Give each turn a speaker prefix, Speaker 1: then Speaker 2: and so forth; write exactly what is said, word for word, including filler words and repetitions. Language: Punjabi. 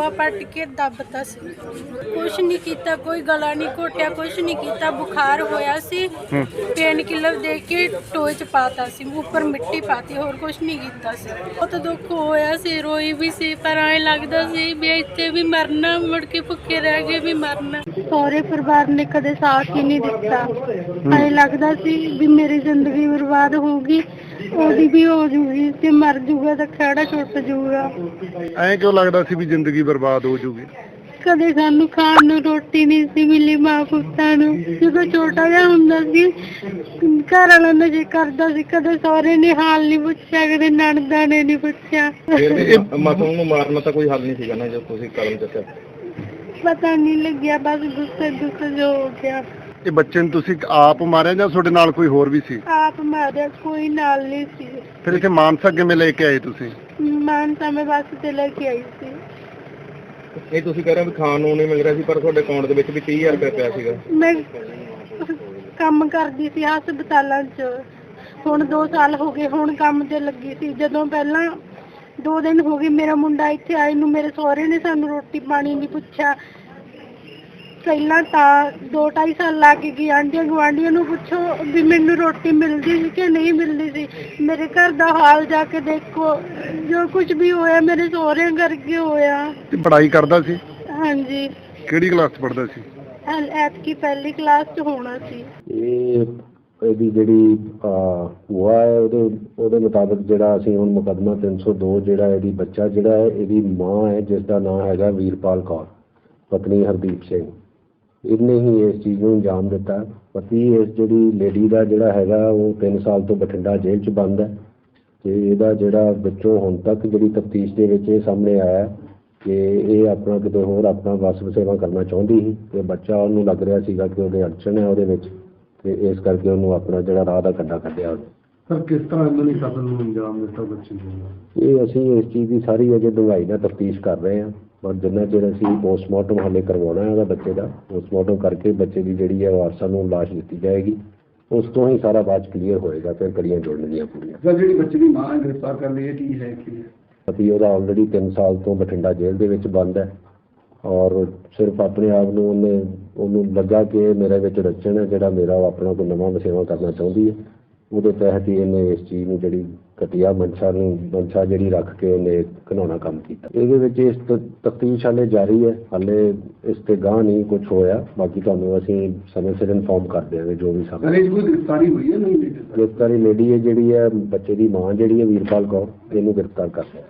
Speaker 1: ਬਾਹ ਪੱਟ ਕੇ ਦੱਬਤਾ ਸੀ। ਕੁਛ ਨਹੀਂ ਕੀਤਾ, ਕੋਈ ਗਲਾ ਨਹੀਂ ਘੋਟਿਆ, ਕੁਛ ਨਹੀਂ ਕੀਤਾ। ਬੁਖਾਰ ਹੋਇਆ ਸੀ, ਪੇਨ ਕਿਲਰ ਦੇ ਕੇ ਟੋਏ ਚ ਪਾਤਾ ਸੀ, ਉੱਪਰ ਮਿੱਟੀ ਪਾਤੀ, ਹੋਰ ਕੁਛ ਨਹੀਂ ਕੀਤਾ ਸੀ। ਬਹੁਤ ਦੁੱਖ ਹੋਇਆ ਸੀ, ਰੋਈ ਵੀ ਸੀ, ਪਰ ਐਂ ਲੱਗਦਾ ਸੀ ਵੀ ਇੱਥੇ ਵੀ ਮਰਨਾ, ਮੁੜ ਕੇ ਭੁੱਖੇ ਰਹਿ ਕੇ ਵੀ ਮਰਨਾ। ਸਹੁਰੇ ਪਰਿਵਾਰ ਨੇ ਕਦੇ ਸਾਥ ਹੀ ਨਹੀਂ ਦਿੱਤਾ। ਐਂ ਲੱਗਦਾ ਸੀ ਵੀ ਮੇਰੀ ਜ਼ਿੰਦਗੀ ਬਰਬਾਦ ਹੋਊਗੀ, ਉਹਦੀ ਵੀ ਹੋ ਜੂਗੀ, ਤੇ ਮਰ ਜੂਗਾ ਤਾਂ ਖਹਿੜਾ ਛੁੱਟ ਜੂਗਾ।
Speaker 2: ਐਂ ਕਿਉਂ ਲੱਗਦਾ ਸੀ ਵੀ ਜ਼ਿੰਦਗੀ ਬਰਬਾਦ ਹੋ ਜੂਗੀ?
Speaker 1: ਕਦੇ ਸਾਨੂੰ ਖਾਣ ਨੂੰ ਰੋਟੀ ਨਹੀਂ ਸੀ ਮਿਲੀ ਮਾਂ ਪੁੱਤਾਂ ਨੂੰ। ਜਦੋਂ ਛੋਟਾ ਜਿਹਾ ਹੁੰਦਾ ਸੀ, ਘਰ ਵਾਲਾ ਨਸ਼ੇ ਕਰਦਾ ਸੀ, ਕਦੇ ਸਹੁਰੇ ਨੇ ਹਾਲ ਨਹੀਂ ਪੁੱਛਿਆ, ਕਦੇ ਨਣਦਾਂ ਨੇ ਨਹੀਂ ਪੁੱਛਿਆ।
Speaker 3: ਮਾਸੂਮ ਨੂੰ ਮਾਰਨਾ ਤਾਂ ਕੋਈ ਹੱਲ ਨਹੀਂ ਸੀਗਾ ਨਾ, ਜੋ ਤੁਸੀਂ ਕਦਮ ਚੱਕਿਆ?
Speaker 1: ਪਤਾ ਨਹੀਂ ਲੱਗਿਆ, ਬਸ ਗੁੱਸੇ ਗੁੱਸੇ ਜੋ ਹੋ ਗਿਆ।
Speaker 2: ਇਹ ਬੱਚੇ ਨੂੰ ਤੁਸੀਂ ਆਪ ਮਾਰਿਆ ਜਾਂ ਤੁਹਾਡੇ ਨਾਲ ਕੋਈ ਹੋਰ ਵੀ ਸੀ?
Speaker 1: ਆਪ ਮਾਰਿਆ, ਕੋਈ ਨਾਲ ਨਹੀਂ ਸੀ।
Speaker 2: ਫਿਰ ਇੱਥੇ ਮਾਨਸਾ ਕਿਵੇਂ ਲੈ ਕੇ ਆਏ ਤੁਸੀਂ?
Speaker 1: ਮਾਨਸਾ ਮੈਂ ਬੱਸ ਤੇ ਲੈ ਕੇ ਆਈ ਸੀ।
Speaker 3: ਇਹ ਤੁਸੀਂ ਕਹਿ ਰਹੇ ਹੋ ਵੀ ਖਾਣ ਨੂੰ ਨਹੀਂ ਮਿਲ ਰਿਹਾ ਸੀ, ਪਰ ਤੁਹਾਡੇ ਅਕਾਊਂਟ ਦੇ ਵਿੱਚ ਵੀ ਤੀਹ ਹਜ਼ਾਰ ਰੁਪਏ ਪਿਆ ਸੀਗਾ।
Speaker 1: ਮੈਂ ਕੰਮ ਕਰਦੀ ਸੀ ਹਸਪਤਾਲਾਂ 'ਚ, ਹੁਣ ਦੋ ਸਾਲ ਹੋ ਗਏ, ਹੁਣ ਕੰਮ ਤੇ ਲੱਗੀ ਸੀ। ਜਦੋਂ ਪਹਿਲਾਂ ਦੋ ਦਿਨ ਹੋ ਗਏ ਮੇਰਾ ਮੁੰਡਾ ਇੱਥੇ ਆਏ ਨੂੰ, ਮੇਰੇ ਸਹੁਰੇ ਨੇ ਸਾਨੂੰ ਰੋਟੀ ਪਾਣੀ ਨਹੀਂ ਪੁੱਛਿਆ। ਪਹਿਲਾਂ ਤਾਂ ਦੋ ਢਾਈ ਸਾਲ ਲਾ ਕੇ ਗਈ, ਆਂਢੀਆਂ ਗੁਆਂਢੀਆਂ ਨੂੰ ਪੁੱਛੋ ਵੀ ਮੈਨੂੰ ਰੋਟੀ ਮਿਲਦੀ ਸੀ ਕਿ ਨਹੀਂ ਮਿਲਦੀ ਸੀ। ਮੇਰੇ ਘਰ ਦਾ ਹਾਲ ਜਾ ਕੇ ਦੇਖੋ, ਜੋ ਕੁਝ ਵੀ ਹੋਇਆ ਮੇਰੇ ਸਹੁਰਿਆਂ ਕਰਕੇ ਹੋਇਆ।
Speaker 2: ਤੇ ਪੜ੍ਹਾਈ ਕਰਦਾ ਸੀ?
Speaker 1: ਹਾਂਜੀ।
Speaker 2: ਕਿਹੜੀ ਕਲਾਸ 'ਚ ਪੜ੍ਹਦਾ ਸੀ?
Speaker 1: ਐਤਕੀ ਪਹਿਲੀ ਕਲਾਸ 'ਚ ਹੋਣਾ ਸੀ।
Speaker 4: ਇਹ ਇਹਦੀ ਜਿਹੜੀ ਭੂਆ ਹੈ, ਉਹਦੇ ਉਹਦੇ ਮੁਤਾਬਕ ਜਿਹੜਾ ਅਸੀਂ ਹੁਣ ਮੁਕੱਦਮਾ ਤਿੰਨ ਸੌ ਦੋ ਜਿਹੜਾ ਇਹਦੀ ਬੱਚਾ ਜਿਹੜਾ ਹੈ, ਇਹਦੀ ਮਾਂ ਹੈ ਜਿਸ ਦਾ ਨਾਮ ਹੈਗਾ ਵੀਰਪਾਲ ਕੌਰ, ਪਤਨੀ ਹਰਦੀਪ ਸਿੰਘ, ਇਹਨੇ ਹੀ ਇਸ ਚੀਜ਼ ਨੂੰ ਅੰਜਾਮ ਦਿੱਤਾ। ਪਤੀ ਇਸ ਜਿਹੜੀ ਲੇਡੀ ਦਾ ਜਿਹੜਾ ਹੈਗਾ ਉਹ ਤਿੰਨ ਸਾਲ ਤੋਂ ਬਠਿੰਡਾ ਜੇਲ੍ਹ 'ਚ ਬੰਦ ਹੈ, ਅਤੇ ਇਹਦਾ ਜਿਹੜਾ ਵਿੱਚੋਂ ਹੁਣ ਤੱਕ ਜਿਹੜੀ ਤਫਤੀਸ਼ ਦੇ ਵਿੱਚ ਇਹ ਸਾਹਮਣੇ ਆਇਆ ਕਿ ਇਹ ਆਪਣਾ ਕਿਤੇ ਹੋਰ ਆਪਣਾ ਵਸ ਵਸੇਵਾ ਕਰਨਾ ਚਾਹੁੰਦੀ ਸੀ, ਅਤੇ ਬੱਚਾ ਉਹਨੂੰ ਲੱਗ ਰਿਹਾ ਸੀਗਾ ਕਿ ਉਹਦੇ ਅੜਚਣ ਹੈ ਉਹਦੇ ਵਿੱਚ, ਤੇ ਇਸ ਕਰਕੇ ਉਹਨੂੰ ਆਪਣਾ ਜਿਹੜਾ ਰਾਹ ਦਾ ਕੰਡਾ ਕੱਢਿਆ ਉਹਨੇ।
Speaker 2: ਸਰ ਕਿਸ ਤਰ੍ਹਾਂ ਇਹਨਾਂ ਨੇ ਕਤਲ ਨੂੰ ਅੰਜਾਮ ਦਿੱਤਾ ਬੱਚੇ ਨੂੰ?
Speaker 4: ਇਹ ਅਸੀਂ ਇਸ ਚੀਜ਼ ਦੀ ਸਾਰੀ ਅਜੇ ਡੂੰਘਾਈ ਨਾਲ ਤਫਤੀਸ਼ ਕਰ ਰਹੇ ਹਾਂ, ਪਰ ਜਿੰਨਾ ਚਿਰ ਅਸੀਂ ਪੋਸਟਮਾਰਟਮ ਹਾਲੇ ਕਰਵਾਉਣਾ ਹੈ ਉਹਦਾ ਬੱਚੇ ਦਾ, ਪੋਸਟਮਾਰਟਮ ਕਰਕੇ ਬੱਚੇ ਦੀ ਜਿਹੜੀ ਹੈ ਵਾਰਸਾਂ ਨੂੰ ਲਾਸ਼ ਦਿੱਤੀ ਜਾਏਗੀ, ਉਸ ਤੋਂ ਹੀ ਸਾਰਾ ਬਾਅਦ ਕਲੀਅਰ ਹੋਏਗਾ, ਫਿਰ ਕੜੀਆਂ ਜੋੜਨਗੀਆਂ ਪੂਰੀਆਂ।
Speaker 2: ਸਰ ਜਿਹੜੀ ਬੱਚੇ ਦੀ ਮਾਂ ਗ੍ਰਿਫਤਾਰ ਕਰ ਲਈ, ਇਹ ਕੀ ਹੈ ਕੀ?
Speaker 4: ਪਤੀ ਉਹਦਾ ਆਲਰੇਡੀ ਤਿੰਨ ਸਾਲ ਤੋਂ ਬਠਿੰਡਾ ਜੇਲ੍ਹ ਦੇ ਵਿੱਚ ਬੰਦ ਹੈ, ਔਰ ਸਿਰਫ ਆਪਣੇ ਆਪ ਨੂੰ ਉਹਨੇ ਉਹਨੂੰ ਲੱਗਾ ਕਿ ਮੇਰੇ ਵਿੱਚ ਰਚਣ ਹੈ ਜਿਹੜਾ ਮੇਰਾ ਆਪਣਾ ਕੋਈ ਨਵਾਂ ਵਸੇਵਾ ਕਰਨਾ ਚਾਹੁੰਦੀ ਹੈ, ਉਹਦੇ ਤਹਿਤ ਹੀ ਇਹਨੇ ਇਸ ਚੀਜ਼ ਨੂੰ ਜਿਹੜੀ ਘਟੀਆ ਮਨਸ਼ਾ ਨੂੰ ਮਨਸ਼ਾ ਜਿਹੜੀ ਰੱਖ ਕੇ ਉਹਨੇ ਘਿਨਾਉਣਾ ਕੰਮ ਕੀਤਾ। ਇਹਦੇ ਵਿੱਚ ਇਸ ਤਫਤੀਸ਼ ਹਾਲੇ ਜਾਰੀ ਹੈ, ਹਾਲੇ ਇਸ ਤੇ ਗਾਂਹ ਨਹੀਂ ਕੁਝ ਹੋਇਆ, ਬਾਕੀ ਤੁਹਾਨੂੰ ਅਸੀਂ ਸਮੇਂ ਸਿਰ ਇਨਫੋਰਮ ਕਰ ਦਿਆਂਗੇ ਜੋ ਵੀ ਸਾਹਮਣੇ।
Speaker 2: ਗ੍ਰਿਫਤਾਰੀ ਹੋਈ ਹੈ? ਨਹੀਂ
Speaker 4: ਗ੍ਰਿਫਤਾਰੀ ਲੇਡੀ ਹੈ ਜਿਹੜੀ ਹੈ ਬੱਚੇ ਦੀ ਮਾਂ ਜਿਹੜੀ ਹੈ ਵੀਰਪਾਲ ਕੌਰ, ਇਹਨੂੰ ਗ੍ਰਿਫਤਾਰ ਕਰ ਲਿਆ।